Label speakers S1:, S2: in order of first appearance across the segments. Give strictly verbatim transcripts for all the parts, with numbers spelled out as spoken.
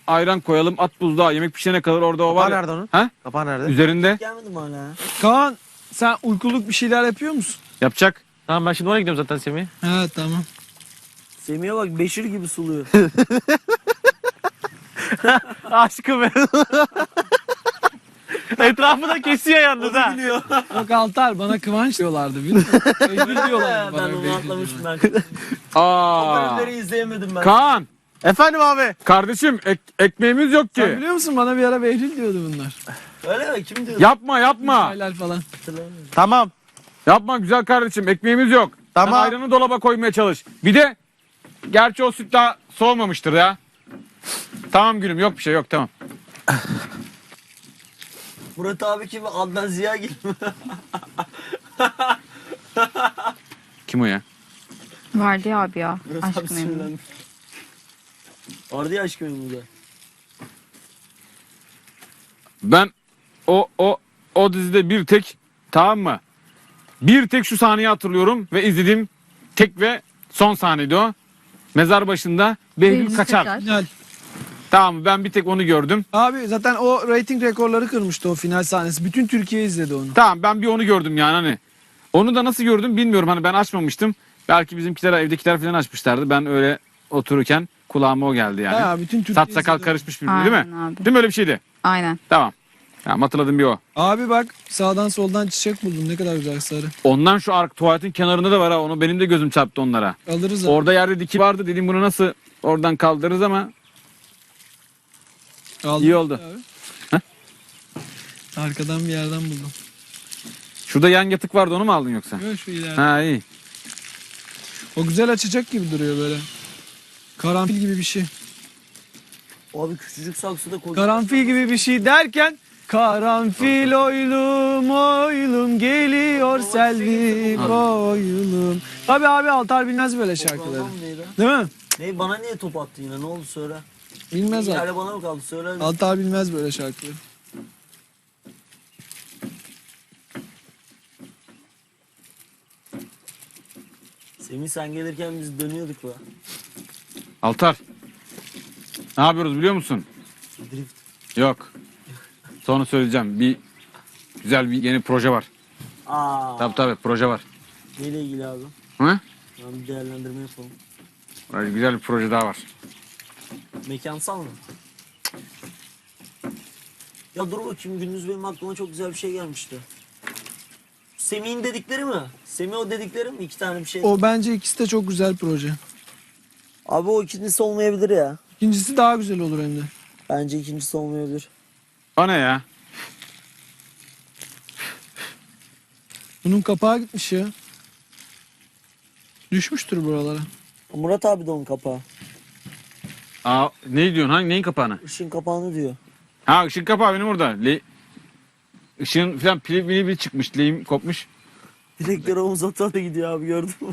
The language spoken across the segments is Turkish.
S1: ayran koyalım, at buzluğa, yemek pişene kadar orada o var.
S2: Kapağı
S1: ya.
S2: nerede onun?
S1: Ha?
S2: Kapağı nerede?
S1: Üzerinde
S3: Gelmedim hala.
S4: Kaan sen uykuluk bir şeyler yapıyor musun?
S1: yapacak.
S2: Tamam ben şimdi oraya gidiyorum zaten Semih.
S4: Ha tamam.
S3: Semih'e bak Beşir gibi suluyor.
S2: Aşkım benim. Etrafı da kesiyor yalnız ha.
S3: Biliyor.
S4: Yok Altar bana Kıvanç diyorlardı biliyor musun? Behlül diyorlardı
S3: Ben
S4: bana.
S3: onu
S4: Behlül
S3: atlamışım
S4: diyorlardı.
S3: ben. O
S1: Aa.
S3: bölümleri izleyemedim ben.
S1: Kaan,
S2: Efendim abi.
S1: kardeşim ek- ekmeğimiz yok
S4: Sen
S1: ki.
S4: biliyor musun bana bir ara Behlül diyordu bunlar.
S3: Öyle mi? Kim diyordu?
S1: Yapma yapma.
S4: Çaylar falan.
S3: Hatırlamıyorum.
S2: Tamam.
S1: Yapma güzel kardeşim, ekmeğimiz yok.
S2: Tamam.
S1: Sen ayranı dolaba koymaya çalış. Bir de gerçi o süt daha soğumamıştır ya. Tamam gülüm, yok bir şey yok, tamam.
S3: Murat abi kim? Adnan Ziya gibi.
S1: Kim o ya?
S5: Vardı ya abi ya.
S3: Murat abi
S5: Aşk memnun.
S3: sinirlendi. Vardı ya aşk memnun da.
S1: Ben o o o dizide bir tek, tamam mı? Bir tek şu sahneyi hatırlıyorum ve izlediğim tek ve son sahneydi o. Mezar başında Behlül
S5: Behlül
S1: kaçar.
S5: kaçar.
S4: Final.
S1: Tamam mı? Ben bir tek onu gördüm.
S4: Abi zaten o reyting rekorları kırmıştı o final sahnesi. Bütün Türkiye izledi onu.
S1: Tamam ben bir onu gördüm yani hani. Onu da nasıl gördüm bilmiyorum, hani ben açmamıştım. Belki bizimkiler, evdekiler falan açmışlardı. Ben öyle otururken kulağıma o geldi yani.
S4: Ha, bütün Türkiye
S1: Saç sakal
S4: izledi.
S1: karışmış birbirine değil mi?
S5: Aynen abi.
S1: Değil mi, öyle bir şeydi?
S5: Aynen.
S1: Tamam. Tamam, hatırladım bir o.
S4: Abi bak sağdan soldan çiçek buldum. Ne kadar güzel sarı.
S1: Ondan şu ark tuvaletin kenarında da var ha. Onu benim de gözüm çarptı onlara.
S4: Alırız abi.
S1: Orada yerde diki vardı. Dedim bunu nasıl oradan kaldırırız ama
S4: Aldım
S1: iyi oldu.
S4: abi.
S1: Heh.
S4: Arkadan bir yerden buldum.
S1: şurada yan yatık vardı, onu mu aldın yoksa?
S4: Yok şu ileride.
S1: Ha iyi.
S4: O güzel açacak gibi duruyor böyle. Karanfil gibi bir şey.
S3: Abi küçücük saksıda kocaman.
S4: Karanfil gibi bir şey derken karanfil oylum oylum geliyor Selvi boylum. Tabi abi Altar bilmez böyle şarkıları.
S3: Toprağından neydi?
S4: Değil mi?
S3: Ne bana niye top attı yine? Ne oldu söyle.
S4: Bilmez abi.
S3: Hala bana mı kaldı? Söyle.
S4: Altar bilmez böyle şarkıları.
S3: Semih sen gelirken biz dönüyorduk la.
S1: Altar. Ne yapıyoruz biliyor musun?
S3: Drift.
S1: Yok. Sonra söyleyeceğim. Bir güzel bir yeni proje var.
S3: Aa.
S1: Tabii tabii proje var.
S3: Neyle ilgili abi?
S1: Hı?
S3: Ben bir değerlendirme yapalım.
S1: Öyle güzel bir proje daha var.
S3: Mekansal mı? Ya dur bakayım, gündüz benim aklıma çok güzel bir şey gelmişti. Semih'in dedikleri mi? Semih o dedikleri mi? İki tane bir şey.
S4: O bence ikisi de çok güzel proje.
S3: Abi o ikincisi olmayabilir ya.
S4: İkincisi daha güzel olur hem de.
S3: Bence ikincisi olmayabilir.
S1: O ne ya?
S4: Bunun kapağı gitmiş ya. Düşmüştür buralara.
S3: Murat abi de onun kapağı.
S1: Aa, ne diyorsun? Hangi neyin kapağını?
S3: Işın kapağını diyor.
S1: Ha, ışık kapağı benim orada. Le... Işığın falan pili pili pili çıkmış. Lehim kopmuş.
S3: Direkleri omuz ata da gidiyor abi, gördün mü?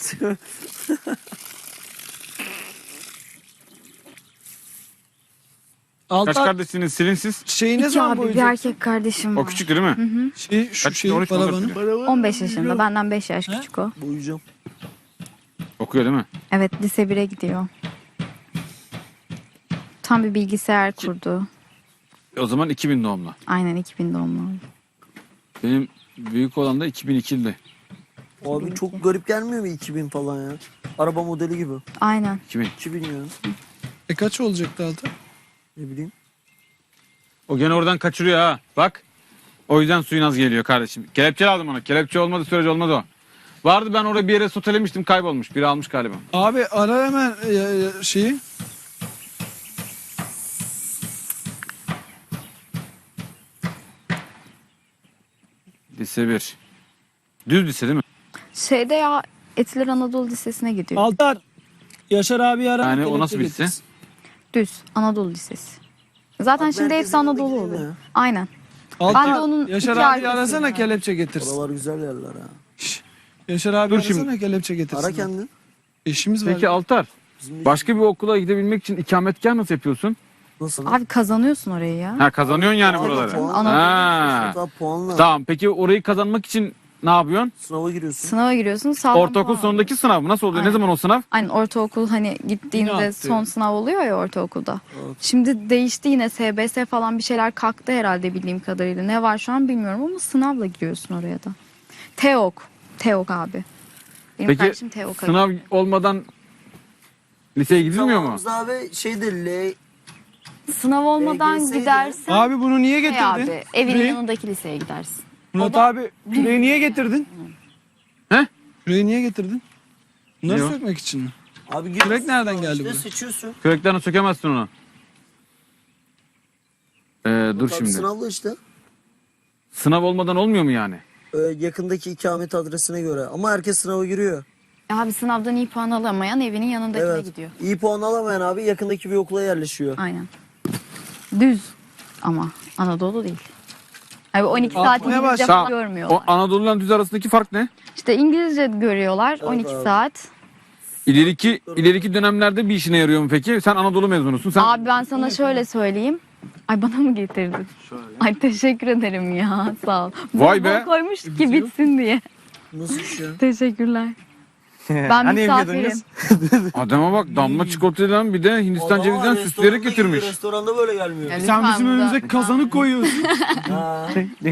S1: Kaç
S4: Altar
S1: kardeşsiniz silinsiz?
S4: şeyi ne
S5: İki
S4: zaman
S5: abi bir
S4: boyayacak?
S5: erkek kardeşim
S1: O
S5: var.
S1: küçüktü değil mi?
S4: Şey, şu
S1: Kaç,
S4: şeyi
S1: on üç mü, on dört
S4: paravanı.
S1: mü?
S5: on beş yaşında. Benden beş yaş
S4: He?
S5: küçük o.
S3: Boyayacağım.
S1: Okuyor değil mi?
S5: Evet, lise bire gidiyor. Tam bir bilgisayar kurdu.
S1: O zaman iki bin doğumlu.
S5: Aynen iki bin doğumlu.
S1: Benim büyük olan da iki bin ikili.
S3: Abi çok garip gelmiyor mu iki bin falan ya? Araba modeli gibi.
S5: Aynen.
S1: iki bin.
S3: iki bin ya.
S4: E kaç olacaktı Altar?
S3: Ne bileyim.
S1: O gene oradan kaçırıyor ha. Bak. O yüzden suyun az geliyor kardeşim. Kelepçe aldım ona. Kelepçe olmadı sürece olmaz o. Vardı, ben oraya bir yere sotelemiştim, kaybolmuş. Biri almış galiba.
S4: Abi ara hemen e, e, şeyi.
S1: Lise bir. Düz lise değil mi?
S5: Şeyde ya, Etiler Anadolu Lisesi'ne gidiyor.
S4: Altar. Yaşar abi ara.
S1: Yani o
S4: kelepçe
S1: nasıl bir lise?
S4: getirsin.
S5: Düz Anadolu Lisesi. Zaten
S3: Bak,
S5: şimdi
S3: merkezin
S5: hepsi
S3: yanına
S5: Anadolu
S3: gidelim
S5: oluyor.
S3: ya.
S5: Aynen.
S4: Altar,
S5: Ben de onun
S4: Yaşar
S5: iki
S4: abi
S5: arkasıyım
S4: arasana
S5: yani.
S4: kelepçe getirsin.
S3: Oralar güzel yerler ha.
S4: Yaşar abi
S1: Dur
S4: arasana
S1: şimdi.
S4: kelepçe getirsin.
S3: Ara kendin.
S4: İşimiz var.
S1: Peki Altar,
S3: Bizim
S1: başka bir okula gidebilmek için ikametgah nasıl yapıyorsun?
S3: Nasıl?
S5: Abi kazanıyorsun orayı ya.
S1: Ha, kazanıyorsun yani
S3: Puanla,
S1: buraları.
S3: puanla.
S5: Anadolu.
S1: Ha.
S3: Hatta puanla.
S1: Tamam, peki orayı kazanmak için ne yapıyorsun?
S3: Sınava giriyorsun.
S5: Sınava giriyorsun. Sağlam
S1: Ortaokul
S5: puan
S1: sonundaki sınav mı? Nasıl oluyor? Ne
S5: Aynen.
S1: zaman o sınav?
S5: Aynen ortaokul hani
S4: Yine
S5: gittiğinde
S4: attı.
S5: son sınav oluyor ya ortaokulda.
S3: Evet.
S5: Şimdi değişti yine S B S falan bir şeyler kalktı herhalde bildiğim kadarıyla. Ne var şu an bilmiyorum ama sınavla giriyorsun oraya da. TEOK. TEOK abi. Benim
S1: Peki
S5: kardeşim TEOK.
S1: sınav olmadan liseye gidilmiyor mu?
S3: Zamanımızda abi şeyde L...
S5: Sınav olmadan
S3: L G S'ydi.
S5: gidersen
S4: Abi bunu niye
S5: şey
S4: getirdin?
S5: abi, evin
S4: Küreği-
S5: yanındaki liseye gidersin.
S4: Murat abi küreği niye getirdin?
S1: He?
S4: Küreği niye getirdin? Bunları
S1: Ne o?
S4: sökmek için mi?
S3: Abi
S4: Kürek
S3: giriyorsun
S4: nereden
S3: sınava
S4: geldi
S3: işte,
S4: buraya?
S3: seçiyorsun.
S1: Küreklerini sökemezsin onu. Ee, dur
S3: Tabii
S1: şimdi.
S3: Sınavla işte.
S1: Sınav olmadan olmuyor mu yani?
S3: Ee, yakındaki ikamet adresine göre. Ama herkes sınava giriyor.
S5: Abi sınavdan iyi puan alamayan evinin yanındakine
S3: Evet.
S5: gidiyor.
S3: İyi puan alamayan abi yakındaki bir okula yerleşiyor.
S5: Aynen. Düz ama Anadolu değil. Abi on iki saat
S4: Atmaya
S5: İngilizce
S4: başla.
S5: falan
S1: Tamam.
S5: görmüyorlar.
S1: O Anadolu'dan düz arasındaki fark ne?
S5: İşte İngilizce görüyorlar on iki
S3: abi.
S5: saat.
S1: İleriki ileriki dönemlerde bir işine yarıyor mu peki? Sen Anadolu mezunusun. Sen
S5: Abi ben sana şöyle söyleyeyim. Ay bana mı getirdin? Ay teşekkür ederim ya sağ ol.
S1: Vay
S5: Bol
S1: be.
S5: bol koymuş ki bitsin diye.
S3: Nasıl iş ya?
S5: Teşekkürler. Ben
S2: Hani
S5: misafirim.
S2: yemiyordunuz?
S1: adama bak damla çikolatayla bir de Hindistan
S3: Adam
S1: cevizinden
S3: var,
S1: süsleyerek
S3: restoranda
S1: getirmiş.
S3: gidiyor, Restoranda böyle gelmiyor.
S5: Ya
S4: Sen
S5: lütfen
S4: bizim
S5: burada-
S4: önümüze kazanı koyuyorsun.
S3: Ha,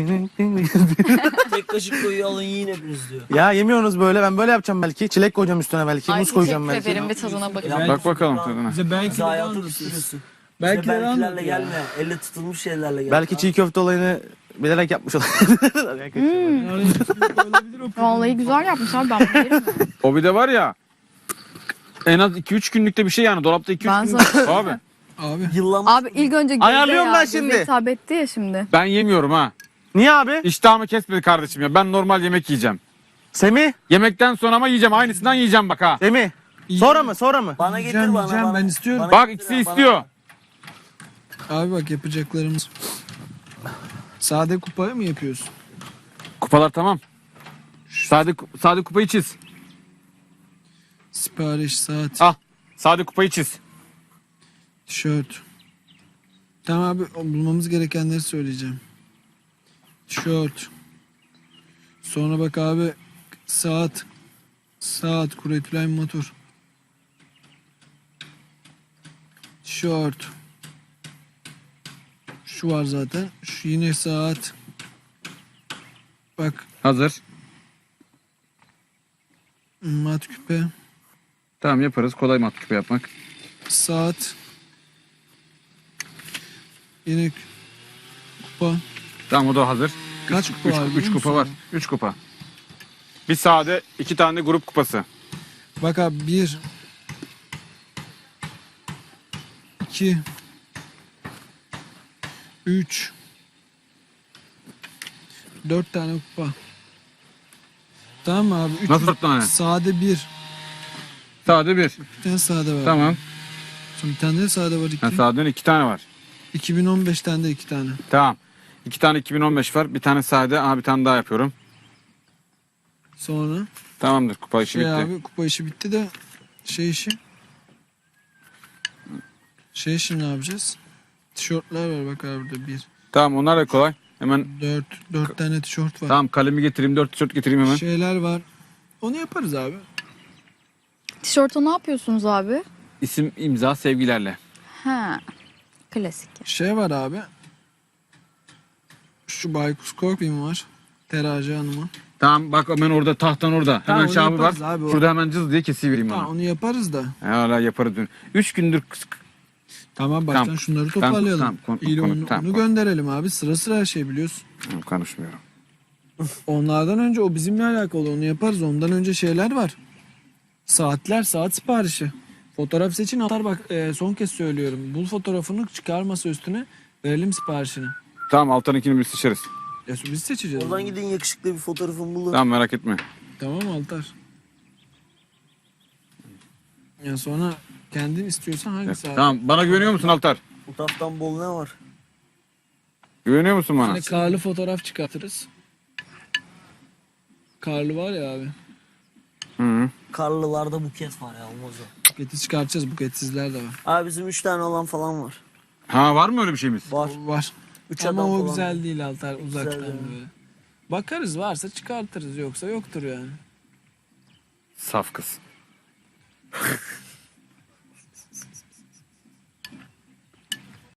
S3: tek kaşık koyu alın yiyin hepiniz diyor.
S2: Ya yemiyorsunuz böyle. Ben böyle yapacağım belki. Çilek koyacağım üstüne belki.
S5: Ay
S2: Muz koyacağım
S5: teşekkür
S2: belki.
S5: ederim bir tadına bakın.
S3: Ya,
S1: Bak bakalım tadına.
S4: Bize belki
S3: Bize
S4: de
S3: hayatı
S4: anlatırsın.
S3: bitiriyorsun.
S4: Belki
S3: Belki
S4: de
S3: belkilerle
S4: anlat ya.
S3: gelme. Elle tutulmuş şeylerle gel.
S2: Belki çiğ köfte olayını bilerek yapmış olabilir.
S4: Olabilir o.
S5: Vallahi güzel yapmış abi ben bunu yerim.
S1: O bir de var ya en az iki üç günlükte bir şey yani. Dolapta iki üç
S5: Ben
S1: günlük.
S5: sana-
S1: Abi
S4: Abi.
S3: Yıllanmış.
S5: Abi ilk önce göze
S2: Ayarlıyorum
S5: ya,
S2: ben
S5: göze
S2: şimdi.
S5: hitap etti ya şimdi.
S1: ben yemiyorum ha.
S2: Niye abi?
S1: İştahımı kesmedi kardeşim ya. Ben normal yemek yiyeceğim.
S2: Semih.
S1: Yemekten sonra ama yiyeceğim. Aynısından yiyeceğim bak ha.
S2: Semih. Sonra mı? Sonra mı?
S3: Bana getir
S4: Yiyeceğim,
S3: bana.
S4: yiyeceğim,
S3: bana.
S4: ben istiyorum.
S3: Bana
S1: Bak
S3: getir
S1: ikisi
S3: ya, bana.
S1: istiyor.
S4: Abi bak yapacaklarımız. Sade kupaya mı yapıyorsun?
S1: Kupalar tamam. Sade, sade kupayı çiz.
S4: Sipariş, saat,
S1: Al. Sade kupayı çiz.
S4: tişört. Tamam abi o bulmamız gerekenleri söyleyeceğim. Tişört. Sonra bak abi saat. Saat, kuretülen motor. Tişört. Şu var zaten. Şu yine saat. Bak
S1: Hazır.
S4: mat küpe.
S1: Tamam yaparız. Kolay mat küpe yapmak.
S4: Saat. Yine kü- kupa.
S1: Tamam o da hazır.
S4: Kaç
S1: Üç,
S4: kupa
S1: üç,
S4: var?
S1: üç
S4: biliyor
S1: kupa
S4: musun?
S1: var. Üç kupa. Bir sade, iki tane de grup kupası.
S4: Bak abi bir. İki. Üç. Dört tane kupa. Tamam mı abi? Üç,
S1: Nasıl dört tane?
S4: Sade bir.
S1: Sade bir.
S4: Bir tane sade var.
S1: Tamam.
S4: Sonra bir tane de sade var iki.
S1: Ha, sadenin iki tane var.
S4: iki bin on beş tane de iki tane.
S1: Tamam. İki tane iki bin on beş var. Bir tane sade. Aha bir tane daha yapıyorum.
S4: Sonra
S1: Tamamdır. Kupa işi
S4: şey
S1: bitti.
S4: abi kupa işi bitti de şey işi. Şey işi ne yapacağız? Tişörtler var bak abi burada bir.
S1: Tamam onlar da kolay. Hemen
S4: Dört, dört tane tişört var.
S1: tamam kalemi getireyim. Dört tişört getireyim hemen.
S4: Şeyler var. Onu yaparız abi.
S5: Tişörtü ne yapıyorsunuz abi?
S1: İsim, imza, sevgilerle.
S5: Ha. Klasik.
S4: Şey var abi. Şu Baykus Korkbin var. Terazi Hanım'a.
S1: Tamam bak hemen orada tahtan orada.
S4: Tamam,
S1: Hemen
S4: onu
S1: şabı var.
S4: yaparız abi, o-
S1: Şurada hemen cız diye kesivereyim
S4: Tamam
S1: onu.
S4: onu yaparız da.
S1: Hala yaparız. dün. Üç gündür kıs-
S4: Tamam baştan
S1: Tamam.
S4: şunları
S1: Tamam,
S4: toparlayalım.
S1: tamam, konu-
S4: İyi
S1: konu-
S4: onu,
S1: tamam,
S4: onu
S1: konu.
S4: gönderelim abi. Sıra sıra her şey biliyorsun.
S1: Tamam, konuşmuyorum.
S4: Onlardan önce o bizimle alakalı onu yaparız. Ondan önce şeyler var. Saatler, saat siparişi. Fotoğraf seçin atar bak e, son kez söylüyorum. Bul fotoğrafını çıkar masa üstüne verelim siparişini.
S1: Tamam alttan biz seçeriz.
S4: Ya biz seçeceğiz.
S3: Oradan gidin yakışıklı bir fotoğrafımı bulun.
S1: Tamam merak etme.
S4: Tamam Altar. Ya sonra kendin istiyorsan hangisi abi?
S1: Tamam bana güveniyor musun Altar?
S3: Fotoğraftan bol ne var?
S1: Güveniyor musun bana?
S4: Yine karlı fotoğraf çıkartırız. Karlı var ya abi.
S1: Hı -hı.
S3: Karlılarda buket var ya olmaz o.
S4: Buketi çıkartacağız. Buketsizler de var.
S3: Abi bizim üç tane olan falan var.
S1: Ha var mı öyle bir şeyimiz?
S3: Var.
S4: Var.
S3: Üç
S4: Ama
S3: adam
S4: o
S3: falan.
S4: güzel değil Altar uzaktan
S3: Güzel yani.
S4: böyle. Bakarız, varsa çıkartırız, yoksa yoktur yani.
S1: Saf kız.